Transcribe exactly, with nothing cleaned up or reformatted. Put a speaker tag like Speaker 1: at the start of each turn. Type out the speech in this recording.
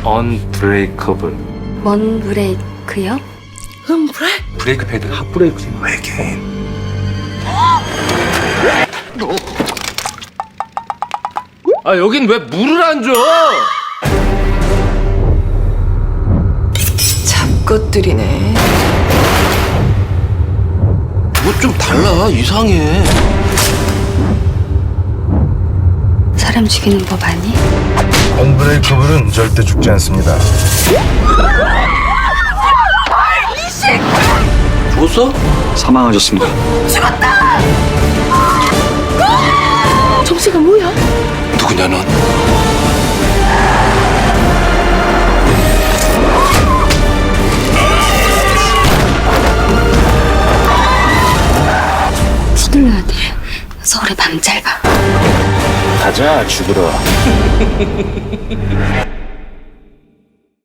Speaker 1: 언브레이커블.
Speaker 2: 뭔 브레이크요?
Speaker 3: 음, 그래?
Speaker 1: 브레이크 패드. 핫브레이크지. 외계인. 아 여긴 왜 물을 안 줘?
Speaker 3: 잡것들이네.
Speaker 4: 뭐 좀 달라. 이상해.
Speaker 2: 사람 죽이는 법 아니?
Speaker 5: 언브레이커블은 절대 죽지 않습니다.
Speaker 4: 죽었어?
Speaker 5: 사망하셨습니다.
Speaker 3: 정체가 뭐야?
Speaker 4: 누구냐 넌?
Speaker 2: 서둘러야 돼. 서울의 밤 짧아.
Speaker 5: 가자 죽으러.